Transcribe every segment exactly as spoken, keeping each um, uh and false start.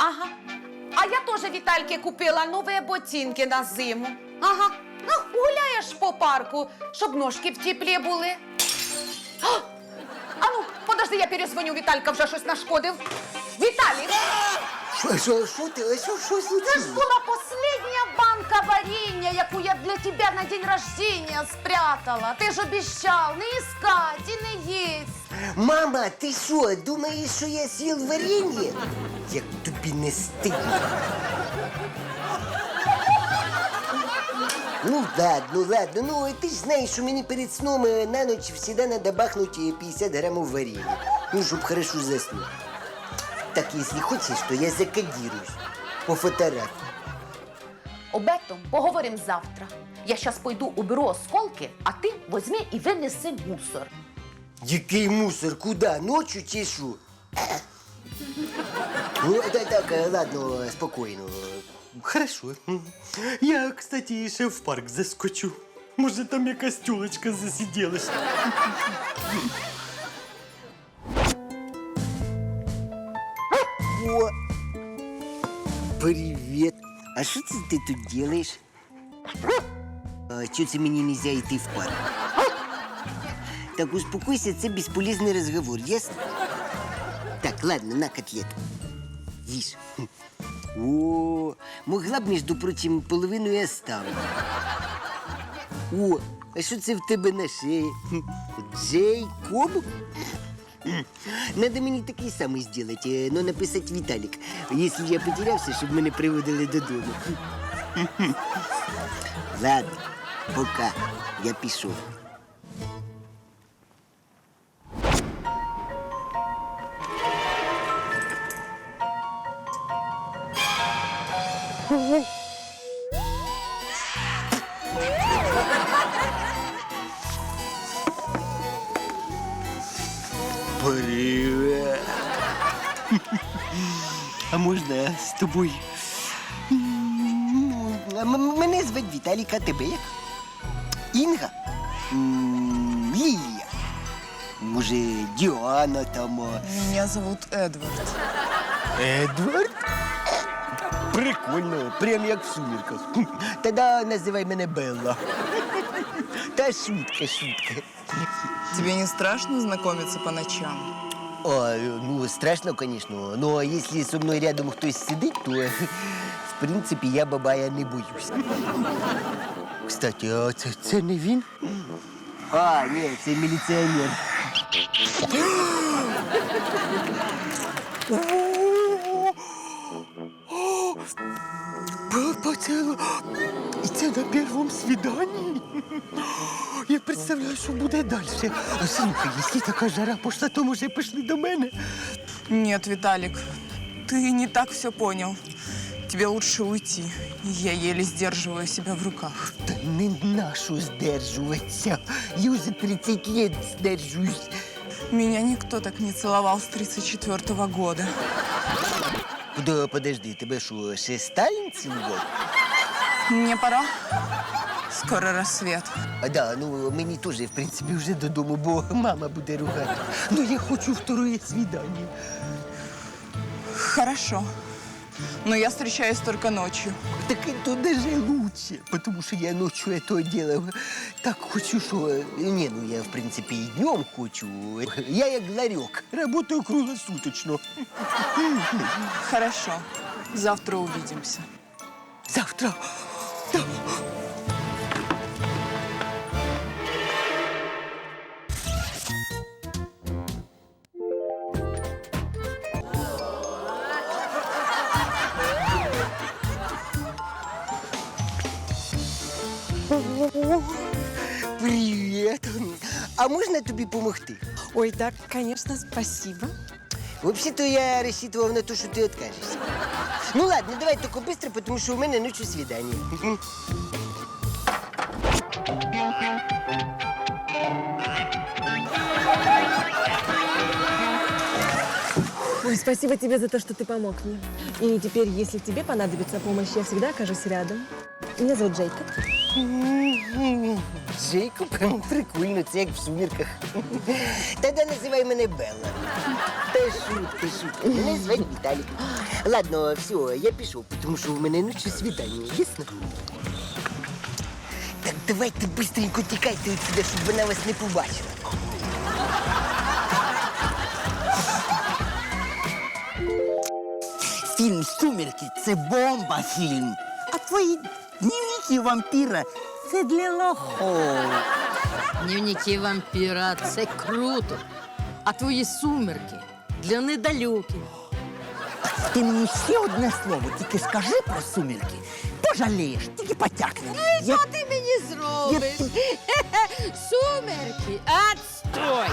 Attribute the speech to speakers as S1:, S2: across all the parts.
S1: Ага. А я теж Вітальки купила нові ботинки на зиму. Ага. Ну, гуляєш по парку, щоб ножки в теплі були. А, а ну, подожди, я перезвоню, Віталька вже щось нашкодив. Віталій!
S2: Що, що, що ти? Що, що
S1: Це
S2: случилось?
S1: ж була последня банка варенья, яку я для тебе на день рождения спрятала. Ти ж обіцяв не іскати і не їсть.
S2: Мама, ти що, думаєш, що я з'їв варенье? Як тобі не стидно. Ну ладно, ладно, ну ти ж знаєш, що мені перед сном е, на ніч завжди треба бахнути п'ятдесят грамів варенья. Ну, щоб хорошо заснути. Так, якщо хочеш, то я закодируюсь по фотографії.
S1: Об этом поговорим завтра. Я сейчас пойду уберу осколки, а ти возьми і винеси мусор.
S2: Який мусор? Куда? Ночью чи що? Ну, так, так, ладно, спокійно.
S3: Хорошо. Я, кстати, ще в парк заскочу. Може, там якась тюлечка засиділась.
S2: О! Привет! А що це ти тут делаешь? А чого це мені нельзя йти в парк? Так, успокойся, це бесполезный разговор, ясно? Так, ладно, на котлету. Їж. О, могла б, между прочим, половину і оставити. О, а що це в тебе на шеї? Джейкоб? Надо мені такий самий зробити, но написати Віталік. Якщо я потерявся, щоб мене приводили додому. Ладно, пока. Я пішов.
S3: Привет. А можна з тобою?
S2: А м- Мене звати Віталік, а тебе як? Інга? М, Лілія? Може, Діана там? а?
S4: Меня зовут Эдвард.
S2: Едвард? Прикольно, прям як в сумірках. Тоді називай мене Белла. Та шутка, шутка.
S4: Тебе не страшно знакомиться по ночам?
S2: О, ну, страшно, конечно. Но если со мной рядом хтось сидить, то, в принципі, я бабая не боюсь. Кстати, а це, це не він? А, ні, це міліціонер.
S3: Поцілу. І це на першому свіданні? Я представляю, що буде далі. А слухай, якщо така жара пішла, то може пішли до мене.
S4: Нет, Виталик, ты не так все понял. Тебе лучше уйти. Я еле сдерживаю себя в руках.
S2: Та не нашу здержуватися. Я вже тридцять лет здержуюсь.
S4: Меня никто так не целовал с тридцать четвёртого года.
S2: Да, подожди, тебе що, ще Сталін цілував?
S4: Мне пора. Скоро рассвет.
S2: А да, ну мені теж, в принципі, вже додому, бо мама буде ругати. Ну я хочу второе свидание.
S4: Хорошо. Но я встречаюсь только ночью.
S2: Так это даже лучше, потому что я ночью этого делал. Так хочу, что... Не, ну я, в принципе, и днем хочу. Я як ларек, работаю круглосуточно.
S4: Хорошо. Завтра увидимся.
S2: Завтра. Да. Привет. А можна тобі допомогти?
S5: Ой, да, конечно, спасибо.
S2: Вообще-то я рассчитывал на то, что ты откажешься. Ну ладно, давай только быстро, потому что у меня ночью свидание.
S5: Ой, спасибо тебе за то, что ты помог мне. И теперь, если тебе понадобится помощь, я всегда окажусь рядом. Меня зовут Джейкоб.
S2: Джейкоб, прикольно, це як в сумірках. Тоді називай мене Белла. Та шутка, шутка. Мене звати Віталік. Ладно, все, я пішов, тому що в мене ночі свідання, ясно? Так давайте быстренько тікайте отсюда, щоб вона вас не побачила.
S6: Фільм «Сумерки» – це бомба фільм. А твої дневники вампіра – це для лохов.
S7: Дневники вампіра – це круто. А твої сумерки для недалюких.
S6: Ти мені ще одне слово тільки скажи про «Сумерки». Пожалієш, тільки потякни. Я...
S7: Що ти мені зробиш? Сумерки, отстой!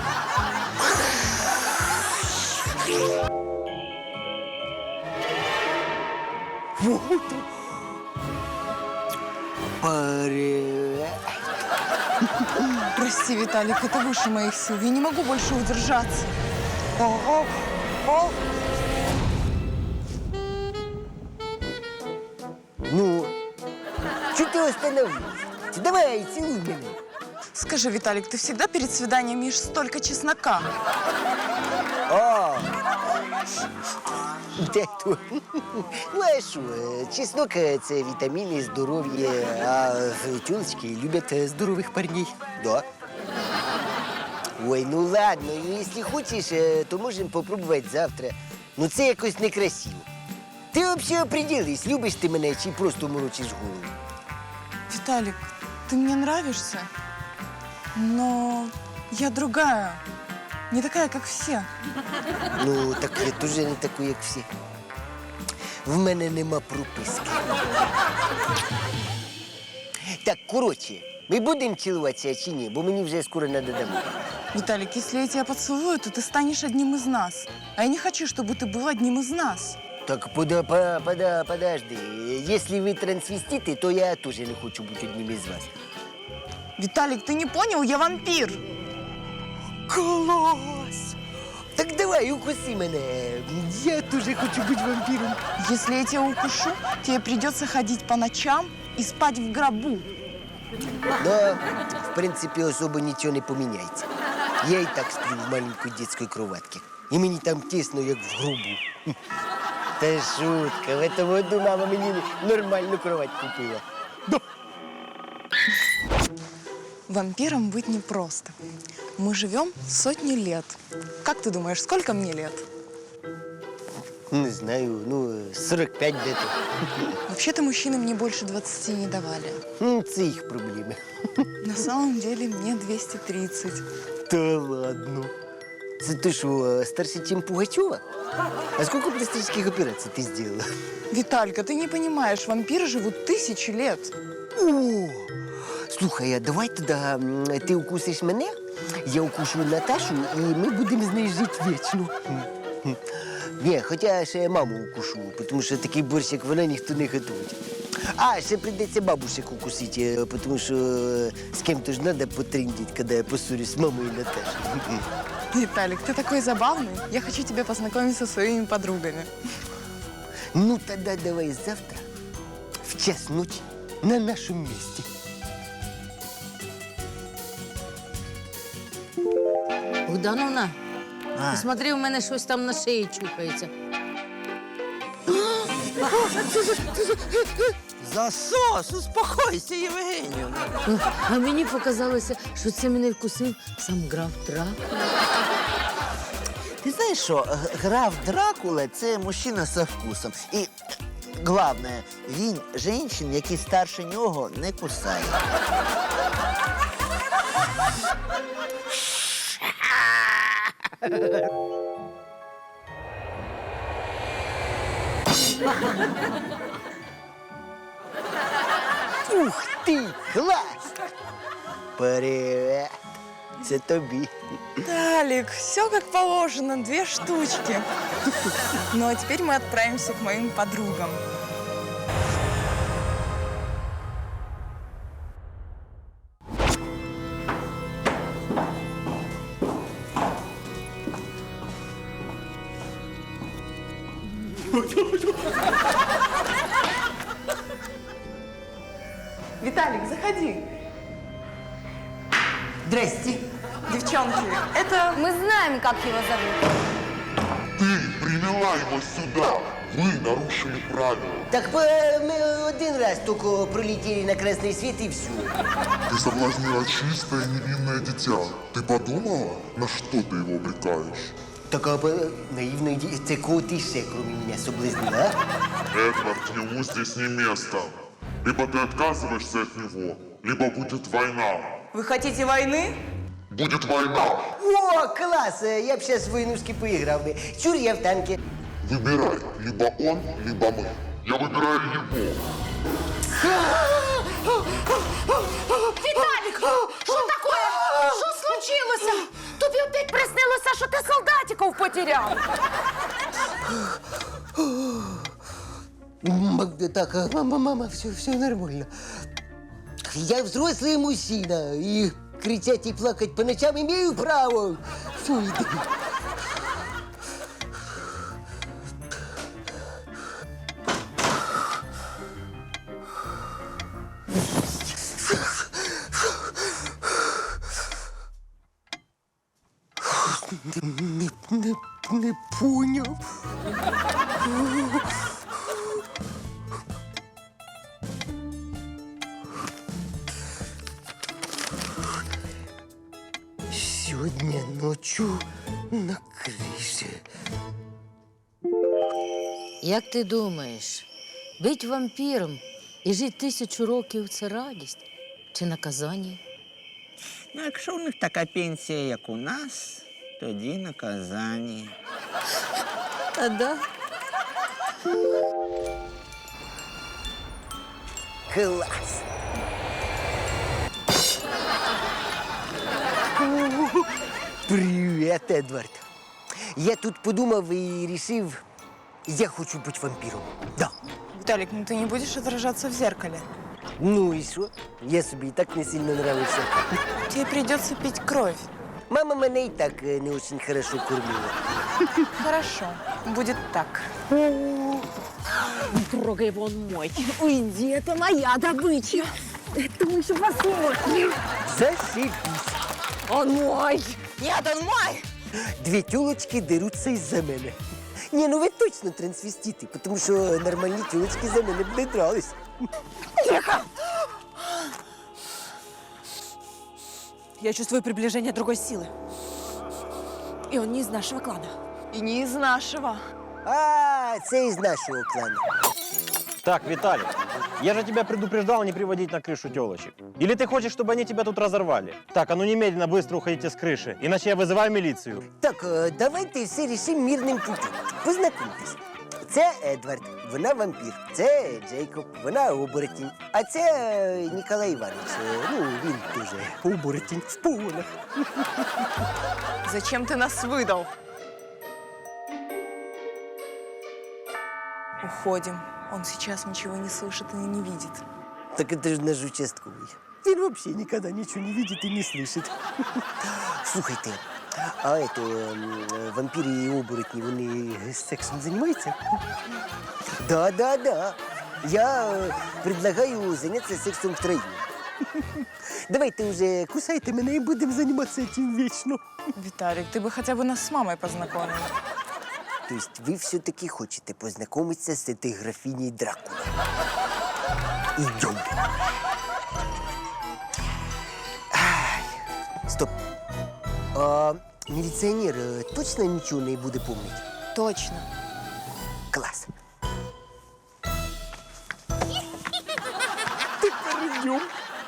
S2: Привет.
S4: Прости, Виталик, это выше моих сил. Я не могу больше удержаться.
S2: Ну, что ты остановилась? Давай, целуй меня.
S4: Скажи, Виталик, ты всегда перед свиданием ешь столько чеснока?
S2: О! Де то? Ну, а що, чеснок – це вітаміни, здоров'я, а тюлечки люблять е, здорових парней. Да. Ой, ну ладно, ну, якщо хочеш, е, то можемо попробувати завтра. Ну це якось некрасиво. Ти взагалі определись, любиш ти мене чи просто морочиш голову?
S4: Виталик, ты мне нравишься, но я другая. Не такая, как все.
S2: Ну, так я теж не такий, як всі. В мене нема прописки. Так, коротше, ми будемо цілуватися чи ні? Бо мені вже скоро треба домой.
S4: Виталик, если я тебя поцелую, то ты станешь одним из нас. А я не хочу, чтобы ты был одним из нас.
S2: Так, пода, пода, пода, подожди. Если вы трансвеститы, то я тоже не хочу быть одним из вас.
S4: Виталик, ты не понял? Я вампир.
S2: Класс! Так давай, укуси мене. Я тоже хочу быть вампиром.
S4: Если я тебя укушу, тебе придется ходить по ночам и спать в гробу.
S2: Да, в принципе, особо ничего не поменяется. Я и так сплю в маленькой детской кроватке. И мне там тесно, как в гробу. Та шутка. В этом году мама мне нормальную кровать купила.
S4: Вампиром быть непросто. Мы живем сотни лет. Как ты думаешь, сколько мне лет?
S2: Не знаю, ну, сорок пять где-то.
S4: Вообще-то мужчины мне больше двадцати не давали.
S2: Ну, це їх проблеми.
S4: На самом деле мне двести тридцать.
S2: Та ладно. Це ти що, старше, ніж Пугачова? А сколько пластических операций ты сделала?
S4: Виталька, ты не понимаешь, вампиры живут тысячи лет.
S2: О! Слухай, а давай тоді м, ти укусиш мене, я укушу Наташу, і ми будемо з нею жити вічно. Ні, хоча ще маму укушу, тому що такий борщ, як вона, ніхто не готує. А, ще прийдеться бабушек укусити, тому що з ким-то ж треба потрындіть, коли я поссорюсь з мамою і Наташею.
S4: Виталик, ты такой забавный. Я хочу тебя познакомить со своими подругами.
S2: Ну, тоді давай завтра в час ночі на нашому місці.
S7: Богдановна, посмотри, у мене щось там на шиї чухається.
S6: Засос, успокойся, Євгенію.
S7: А мені показалося, що це мене вкусив сам граф Дракула.
S6: Ти знаєш що, г- граф Дракула – це мужчина со вкусом. І головне, він жінчин, які старше нього, не кусає.
S2: Ух ти, клас! Привет! Це тобі.
S4: Виталик, все как положено, две штучки. Ну а теперь мы отправимся к моим подругам. Виталик, заходи.
S2: Здрасте.
S4: Девчонки, это...
S5: Мы знаем, как его зовут.
S8: Ты привела его сюда. Вы нарушили правила.
S2: Так э, мы один раз только пролетели на красный свет и все.
S8: Ты соблазнила чистое невинное дитя. Ты подумала, на что ты его обрекаешь?
S2: Так а, э, наивно, це кого ти ще, кроме меня, соблазнила, а?
S8: Эдвард, ему здесь не место. Либо ты отказываешься от него, либо будет война.
S4: Вы хотите войны?
S8: Будет война.
S2: О, класс! э, Я б сейчас в войнушки поиграл бы. Чур, я в танке.
S8: Выбирай, либо он, либо мы. Я выбираю его.
S1: Віталік, що таке? Що случилося? Тобі опять приснилося, що ти солдатиків потеряв.
S2: М, Так, а, мама, мама, все, все нормально. Я взрослый мужчина, и кричать и плакать по ночам имею право. Все, иди. Не, не, не понял. Сегодня ночью на крыше.
S7: Як ти думаєш, бить вампіром і жити тисячу років це радість чи наказання?
S6: Ну, якщо у них така пенсія, як у нас, тоді наказання.
S7: А да?
S2: Класс! Привет, Эдвард. Я тут подумав и решил, я хочу быть вампиром. Да.
S4: Виталик, ну ты не будешь отражаться в зеркале.
S2: Ну и что? Я себе и так не сильно нравился.
S4: Тебе придется пить кровь.
S2: Мама меня и так э, не очень хорошо кормила.
S4: Хорошо, будет так.
S5: Трогай, он мой. Уйди, это моя добыча. Это мы еще посмотрим.
S2: Зашибись.
S5: Он мой.
S4: Нет, он мой!
S2: Две тёлочки дерутся из-за мене. Не, ну вы точно трансвеститы, потому что нормальные тёлочки за мене б не дрались.
S5: Я чувствую приближение другой силы. И он не из нашего клана.
S4: И не из нашего.
S2: А, це из нашего клана.
S9: Так, Виталик, я же тебя предупреждал не приводить на крышу телочек. Или ты хочешь, чтобы они тебя тут разорвали? Так, а ну немедленно быстро уходите с крыши, иначе я вызываю милицию.
S2: Так, е, давайте все рішимо мирним путем. Познайомтесь. Це Едвард, вона вампір. Це Джейкоб, вона оборотень. А це е, Ніколай Іванович. Е, Ну, він дуже оборотень в погонах.
S4: Зачем ты нас выдал? Уходим. Он сейчас ничего не слышит и не видит.
S2: Так это же наш участковый. Він вообще никогда ничего не видит и не слышит. Слухайте, а это, м, вампиры и оборотни, вони сексом занимаются? Да, да, да. Я э, предлагаю заняться сексом втроем. Давайте уже кусайте мене и будем заниматься этим вечно.
S4: Виталик, ты бы хотя бы нас с мамой познакомил.
S2: То есть вы все-таки хотите познакомиться с этой графиней Дракула? Идем. Ай, стоп. А милиционер э, точно ничего не будет помнить?
S4: Точно.
S2: Класс. Идем.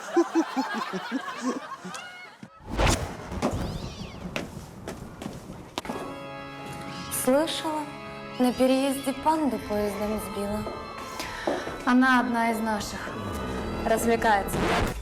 S10: Слышала, на переезде панду поездом сбила. Она одна из наших. Развлекается.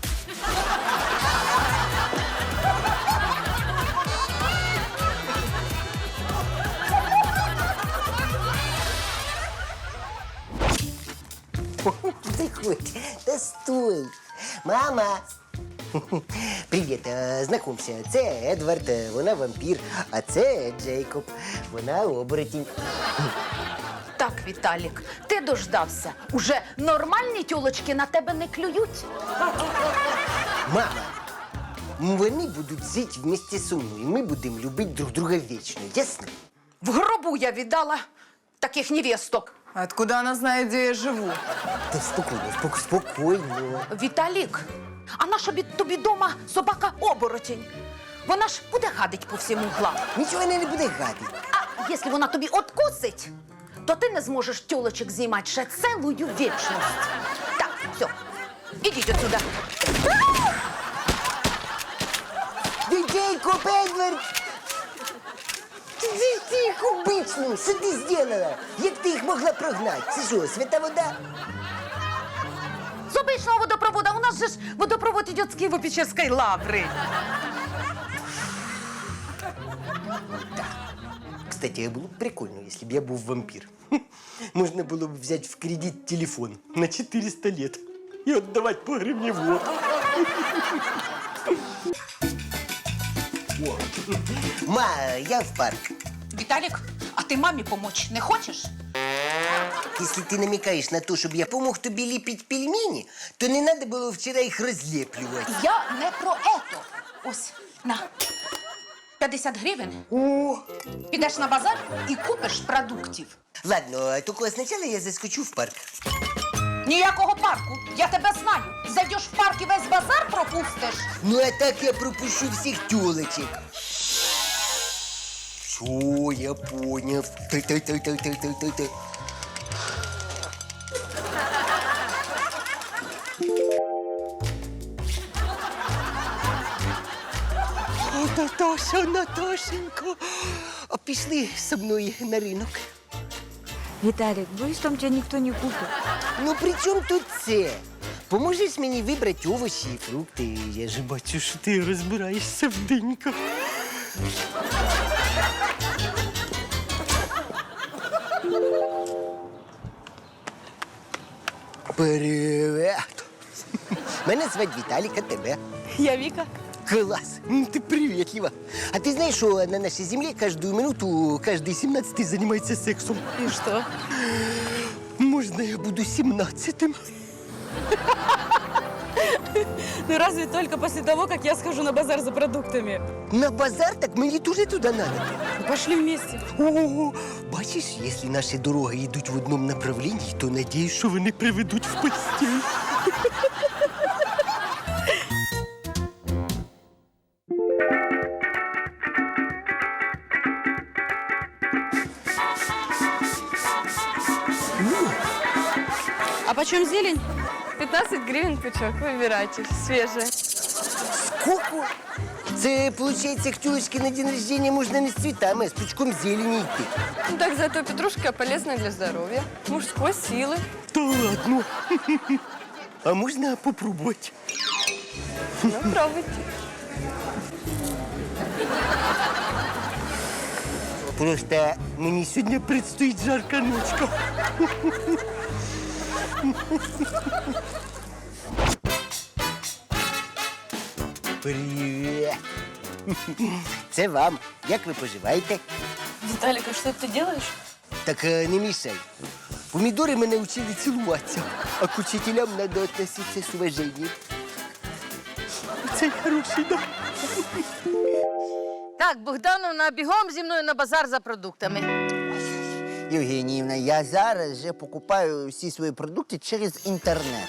S2: Ты хоть, да стой. Мама. Привіт, е, знайомся. Це Едвард, е, вона вампір, а це Джейкоб, вона оборотень.
S4: Так,
S1: Віталік, ти дождався. Уже нормальні тьолочки на тебе не клюють.
S2: Мама, вони будуть жити вместе зі мною. Ми будемо любити друг друга вічно, ясно?
S1: В гробу я віддала таких невесток.
S4: Откуда она знает, где я живу?
S2: Та спокійно, спок- спокійно.
S1: Віталік, а наша бі- тобі дома собака-оборотень? Вона ж буде гадить по всім углам.
S2: Нічого вона не буде гадити.
S1: А якщо вона тобі откусить, то ти не зможеш тьолочок знімати ще цілую вічність. Так, все, ідіть отсюда.
S2: Дідейко, Бедвард! Ти тихо, бичну, що ти зробила? Як ти їх могла прогнати? Це що, свята вода?
S1: З обичного водопровода. У нас же ж водопровод идет с Киево-Печерской лавры.
S2: Кстати, було б прикольно, якщо б я був вампір. Можна було б взяти в кредит телефон на четыреста лет і віддавати по гривні в год. О, ма, я в парк.
S1: Виталик, а ты маме помочь не хочешь?
S2: Если ты намекаешь на то, чтобы я помог тобі ліпити пельмені, то не надо було вчора їх розліплювати.
S1: Я не про это. Ось, на. п'ятдесят гривень.
S2: О!
S1: Підеш на базар і купиш продуктів.
S2: Ладно, тільки спочатку я заскочу в парк.
S1: Ніякого парку. Я тебе знаю. Зайдеш в парк і весь базар пропустиш.
S2: Ну, а так я пропущу всіх тёлочек. Все, я понял. Та-та-та-та-та-та-та. О, Наташа, Наташенька, а пішли зі мною на ринок.
S5: Виталик, боюсь, там тебя никто не купит.
S2: Ну, при чому тут це? Поможеш мені вибрати овочі і фрукти. Я ж бачу, що ти розбираєшся в диньках. Привет! Мене звати Віталік, а тебе?
S5: Я Вика.
S2: Класс! Ну, ты приветлива. А ты знаешь, что на нашей земле каждую минуту каждый семнадцатый занимается сексом?
S5: И что?
S2: Можно я буду семнадцатым?
S5: Ну разве только после того, как я схожу на базар за продуктами.
S2: На базар? Так мені тоже туда надо.
S5: Ну, пошли вместе.
S2: О, бачиш, якщо наші дороги йдуть в одному направленні, то надіюсь, що вони приведуть в постіль.
S5: А почем зелень? пятнадцать гривен пучок. Выбирайте. Свежая.
S2: Сколько? Це, виходить, к тёлочке на день рождения можна не з цвітами, а з пучком зелені йти.
S5: Ну так зато петрушка полезная для здоровья. Мужской силы.
S2: Та ладно. А можна попробувати?
S5: Ну, пробуйте.
S2: Просто мені сьогодні предстоїть жарка ночка. Привіт. Це вам. Як ви поживаєте?
S5: Виталик, а что ты делаешь?
S2: Так е, не мішай. Помідори мене вчили цілуватися, а к учителям треба відноситися з уваженням. Це хороший, да?
S7: Так, Богдановна, бігом зі мною на базар за продуктами.
S6: Євгеніївна, я зараз вже покупаю всі свої продукти через інтернет.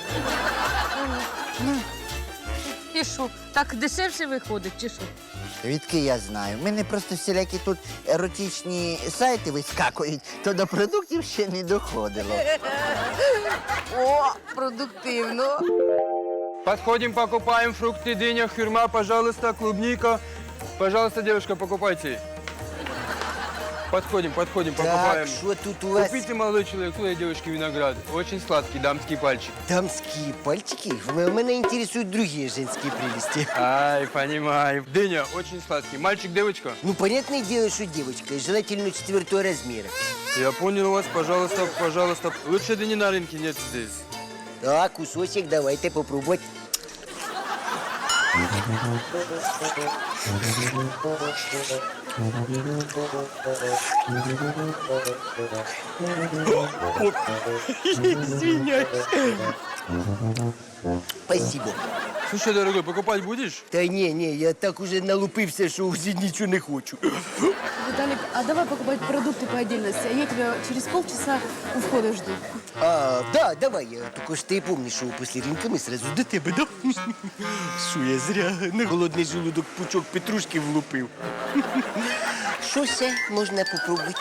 S7: І що, так дешевше виходить, чи що?
S6: Відки я знаю. У мене просто всілякі тут еротичні сайти вискакують, то до продуктів ще не доходило.
S7: О, продуктивно.
S11: Подходим, покупаем фрукты, дыня, хюрма, пожалуйста, клубника. Пожалуйста, девушка, покупайте. Подходим, подходим,
S2: Так,
S11: покупаем.
S2: що тут у вас?
S11: Купите, молодой человек, своей девушке виноград. Очень сладкий, дамский пальчик.
S2: Дамские пальчики? В- Меня интересуют другие женские прелести.
S11: Ай, понимаю. Дыня, очень сладкий. Мальчик, девочка?
S2: Ну, понятное дело, что девочка, и желательно четвертого размера.
S11: Я понял вас, пожалуйста, пожалуйста. Лучше дыни на рынке нет здесь.
S2: Так, кусочек давайте попробовать.
S3: Извиняюсь.
S2: Спасибо.
S11: Слушай, дорогой, покупать будешь?
S2: Та ні, ні, я так уже налупився, що вже нічого не хочу.
S5: Виталик, а давай покупать продукты по отдельности, а я тебя через полчаса у входа жду.
S2: А, да, давай, я тільки ж ти помниш, що після ринка ми сразу до тебе, да? Що я зря на голодний желудок пучок петрушки влупив. Що ще можна попробувати?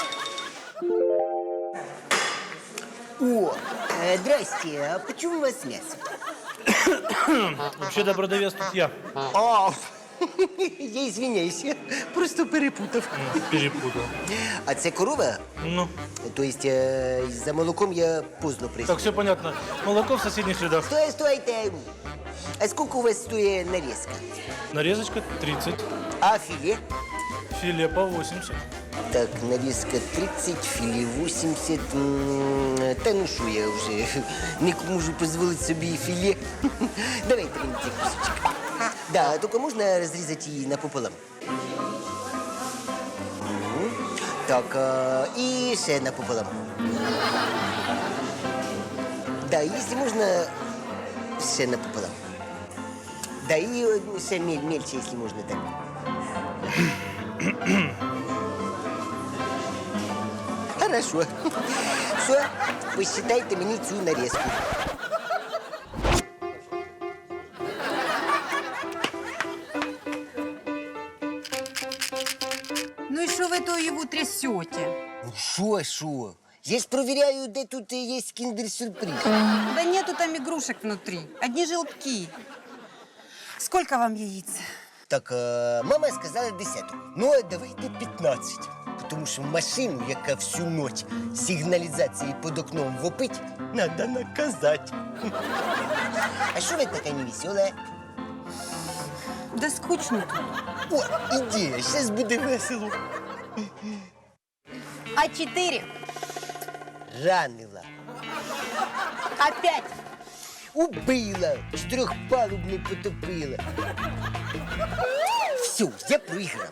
S2: О, е, здрасте, а почему у вас м'ясо?
S9: Вообще-то продавец тут я.
S2: А, я извиняюсь, я просто перепутав.
S9: Перепутал.
S2: А це корова?
S9: Ну,
S2: То есть е, за молоком я поздно прийшов.
S9: так все понятно. Молоко в соседних рядах.
S2: Стой, стойте. А сколько у вас стоит нарезка?
S9: Нарезочка тридцать,
S2: А филе?
S9: филе по восемьдесят.
S2: Так, нарезка тридцать, филе восемьдесят. М, Та ну що, я вже не можу дозволити собі і філе. Давайте мені цей кусочок. Да, тільки можна розрізати її напополам. Мгм. Так, а, і ще напополам. Да, якщо можна, ще напополам. Да, і е, ще мель, мельче, якщо можна, так. Хорошо. Все, посчитайте мені цю нарезку.
S5: Ну и что вы то его трясете?
S2: Ну що, що? Я ж провіряю, де тут є кіндер-сюрприз.
S5: Да нету там игрушек внутри, одни желтки. Сколько вам яиц?
S2: Так, а, мама сказала десяток. Ну, а давайте п'ятнадцять. Тому що машину, яка всю ніч сигналізації під окном вопить, треба наказати. А що ви така невесела?
S5: Да скучно тут.
S2: О, ідея, зараз буде весело.
S5: А четыре?
S2: Ранила.
S5: Опять?
S2: Убила, чотирьохпалубну потопила. Все, я проіграв.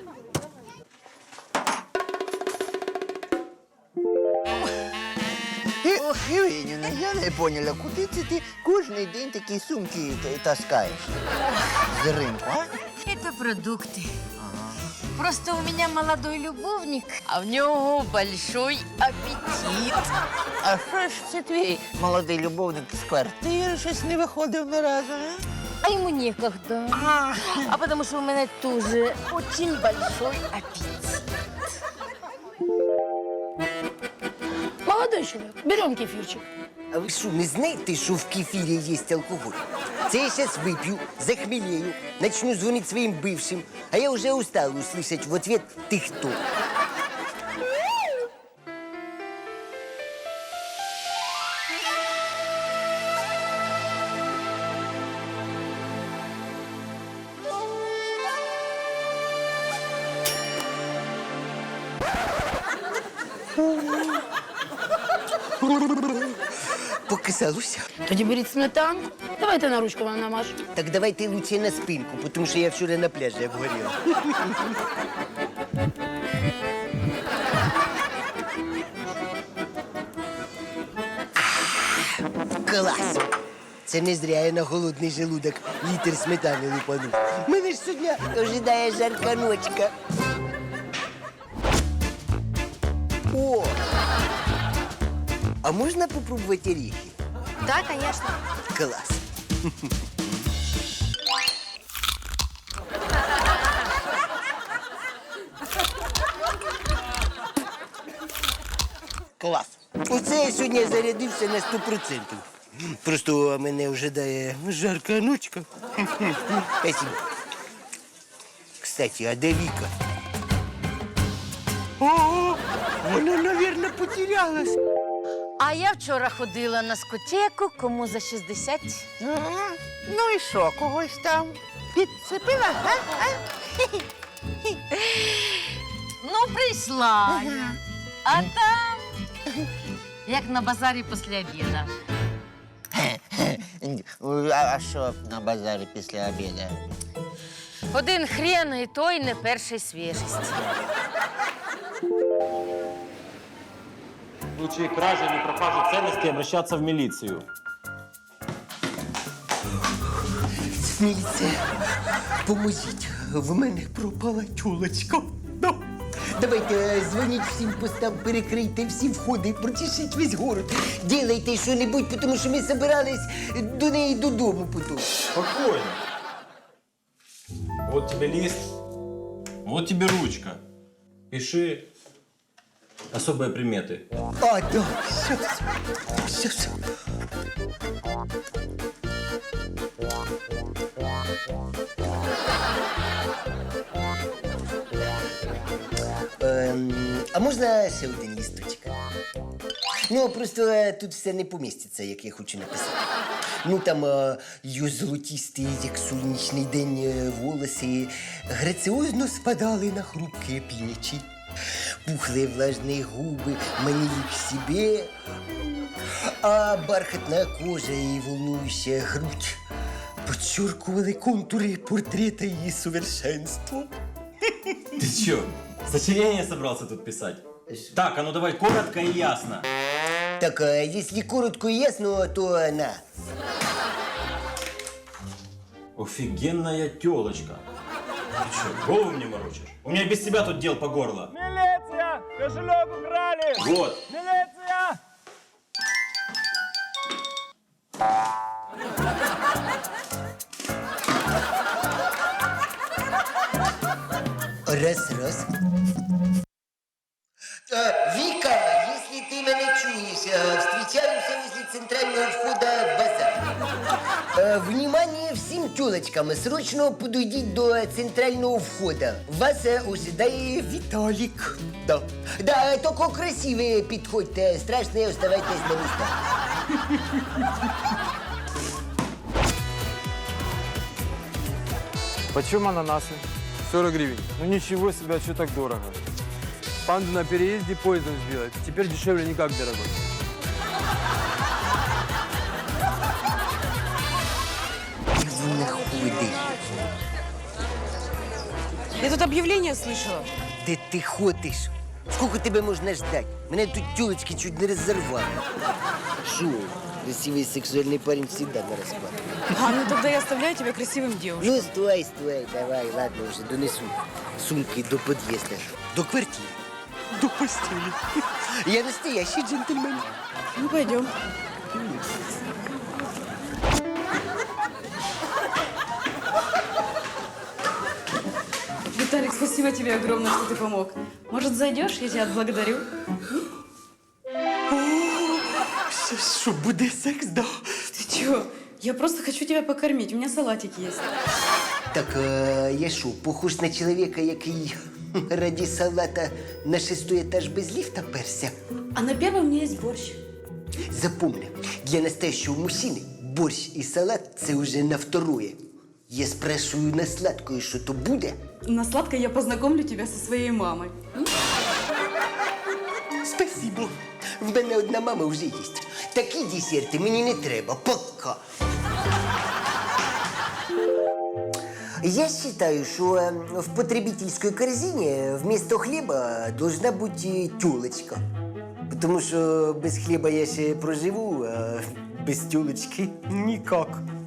S6: Ох, Євгенівна, я не поняла, куди це ти кожен день такі сумки та- таскаєш? З ринку, а?
S7: Это продукты. Просто у меня молодой любовник, а в него большой аппетит.
S6: А що ж це твій молодий любовник з квартири щось не виходив ні разу, а?
S7: А ему некогда. А потому что у меня тоже очень большой аппетит.
S5: Молодой человек, берем кефирчик.
S2: А ви що, не знаєте, що в кефірі є алкоголь? Це я зараз вип'ю, захмелею, начну дзвонити своїм бившим, а я вже устала услышать в ответ «ти хто?». Показалося.
S5: Тоді беріть сметанку. Давайте на ручку вам намажу.
S2: Так давайте лучше на спинку, тому що я вчора на пляжі обгоріла. Клас! Це не зря я на голодний желудок літр сметани лупанув. Мене ж сьогодні ожидає жарка ночка. О! А можна попробувати орехи?
S10: Да, конечно.
S2: Клас! Клас! Оце я сьогодні зарядився на сто процентів. Просто мене ожидає жарка ночка. Спасибо. Кстати, а де Віка?
S3: О, вона, наверное, потерялась.
S7: А я вчора ходила на скотеку, кому за шістдесят.
S6: Ну і що, когось там підцепила, а? а?
S7: Ну, прийшла я. А там, як на базарі після обіду.
S6: А, а що на базарі після обіду?
S7: Один хрен і той не першої свіжості.
S9: В случае кражи или пропажи ценностей обращаться в милицию.
S3: Міліція, поможіть, в мене пропала тюлочка. Да.
S2: Давайте, е, дзвоніть всім постам, перекрийте всі входи, прочешіть весь город. Ділайте що-небудь, тому що ми собирались до неї додому потім.
S9: Спокойно. Вот тебе лист, вот тебе ручка. Пиши особые приметы.
S3: А, да, щас, щас.
S2: Ем, а можна ще один лісточок? Ну, просто е, тут все не поміститься, як я хочу написати. Ну, там е, її золотісті, як сонячний день, е, волоси граціозно спадали на хрупкі плечі. Пухли влажні губи манили к себе, а бархатна кожа і волнуюча грудь подчеркували контури портрета її совершенства.
S9: Ты чё, сочинение собрался тут писать? Так, а ну давай коротко и ясно.
S2: Так, а если коротко и ясно, то на.
S9: Офигенная тёлочка. Ты чё, голову мне морочишь? У меня без тебя тут дел по горло.
S11: Милиция! Кошелек украли!
S9: Вот.
S11: Милиция!
S2: Раз, раз. А, Вика, если ты меня чуешь, а, встречаемся возле центрального входа в базар. А, внимание всем тёлочкам, срочно подойдите до центрального входа. Вас а, ожидает Виталик. Да. Да, только красивые подходьте, страшные оставайтесь на местах.
S11: Почем ананасы? сорок гривен. Ну ничего себе, а что так дорого? Панду на переезде поездом сбила. Теперь дешевле никак, дорогой.
S5: Я тут объявление слышала.
S2: Де ти ходиш? Сколько тебе можна ждать? Мене тут тёлочки чуть не разорвали. Шо? Красивый сексуальный парень всегда на расклад.
S5: А, ну тогда я оставляю тебя красивым девушкой.
S2: Ну, стой, стой, давай, ладно, уже донесу сумки до подъезда. До квартиры.
S3: До постелі.
S2: Я настоящий джентльмен.
S5: Ну, пойдем. Виталик, спасибо тебе огромное, что ты помог. Может, зайдешь, я тебя отблагодарю?
S3: Що, що, буде секс, да?
S5: Ты чего? Я просто хочу тебя покормить, у меня салатик есть.
S2: Так, а, я що, похож на чоловіка, який раді салата на шестой етаж без ліфта перся?
S5: А на первом у меня есть борщ.
S2: Запомни, для настоящего мужчины борщ и салат – це уже на второе. Я спрашиваю на сладкое, что то буде?
S5: На сладкое я познакомлю тебя со своей мамой.
S2: Спасибо. В мене одна мама вже є. Такі десерти мені не треба. Пока. Я считаю, что э, в потребительской корзине вместо хлеба должна быть э, тёлочка. Потому что без хлеба я ще проживу, а без тёлочки никак.